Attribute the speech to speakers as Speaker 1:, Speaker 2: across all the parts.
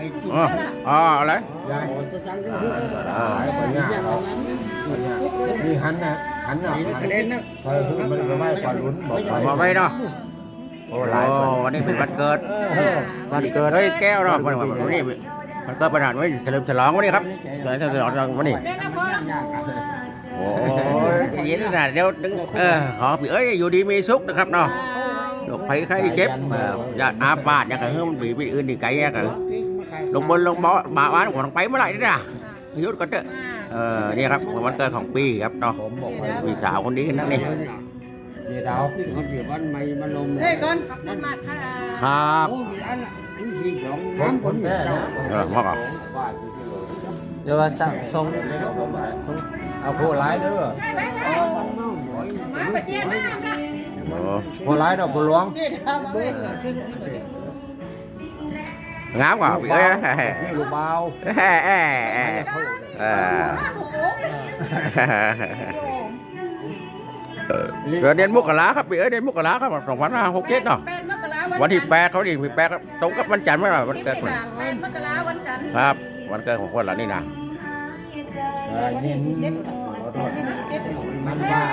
Speaker 1: อ๋ออะไร
Speaker 2: นี่หันนะหันนะพอคือมันก็ไม่ปลาลุ้น
Speaker 1: บอกไปเนาะโอ้วันนี้เป็นวันเกิดเฮ้ยแก้วเนาะวันนี้มันเกิดประธานวันเฉลิมฉลองวันนี้ครับเฉลิมฉลองวันนี้โอ้ยยินดีนะเดี๋ยวขอพี่เอ้ยอยู่ดีมีสุขนะครับเนาะโรคภัยไข้เจ็บอย่าอาบาดอย่าเกิดมันbịอื่นดีไกลกันลงบนลงบ่อบ้านของไปเมื่อไหร่นี่นะยุดก่อนเถอะนี่ครับวันเกิดของปีครับเนาะพี่สาวคนนี้นั่นนี่
Speaker 2: เดี๋ยวเราที่เขาเดี๋ยววันใหม่มาลง
Speaker 3: เฮ้ยก่อนมันมาค่ะ
Speaker 1: ครับ
Speaker 2: คนแก่นะ
Speaker 1: มากอ่ะ
Speaker 2: เดี๋ยวว่าส่งเอาผู้ร้ายเด้อผู้ร้ายดอกผู้หลวง
Speaker 1: งามกว่าพี่เอ้ย
Speaker 2: ลูกเบา
Speaker 1: เดือนมกราครับพี่เอ้ยเดือนมกราครับ2567เนาะวันที่8เขาดิมี8ครับตรงกับวันจันทร์เมื่อไหร่วันเกิดคน
Speaker 3: มกราวันจันทร์
Speaker 1: ครับวันเกิดของคนเหล่านี้นะ
Speaker 2: มันว่า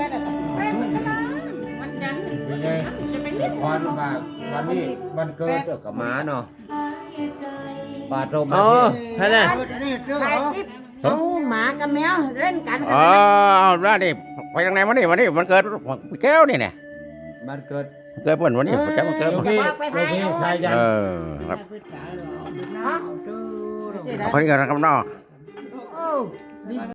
Speaker 3: วันจันทร์
Speaker 2: จะเป็นวันว่าวันนี้วันเกิดกับหมาเนาะปาดลม
Speaker 1: ใช่ไหม
Speaker 3: เอาหมากับแมวเล่นกัน
Speaker 1: เอาได้ดิไปทางไหนวันนี้มันเกิดแก้วนี่เนี่ย
Speaker 2: มันเกิด
Speaker 1: เกิดวันนี้มันเกิด
Speaker 2: พี่ชายยัน
Speaker 1: ครับคนนี้กันครับนอก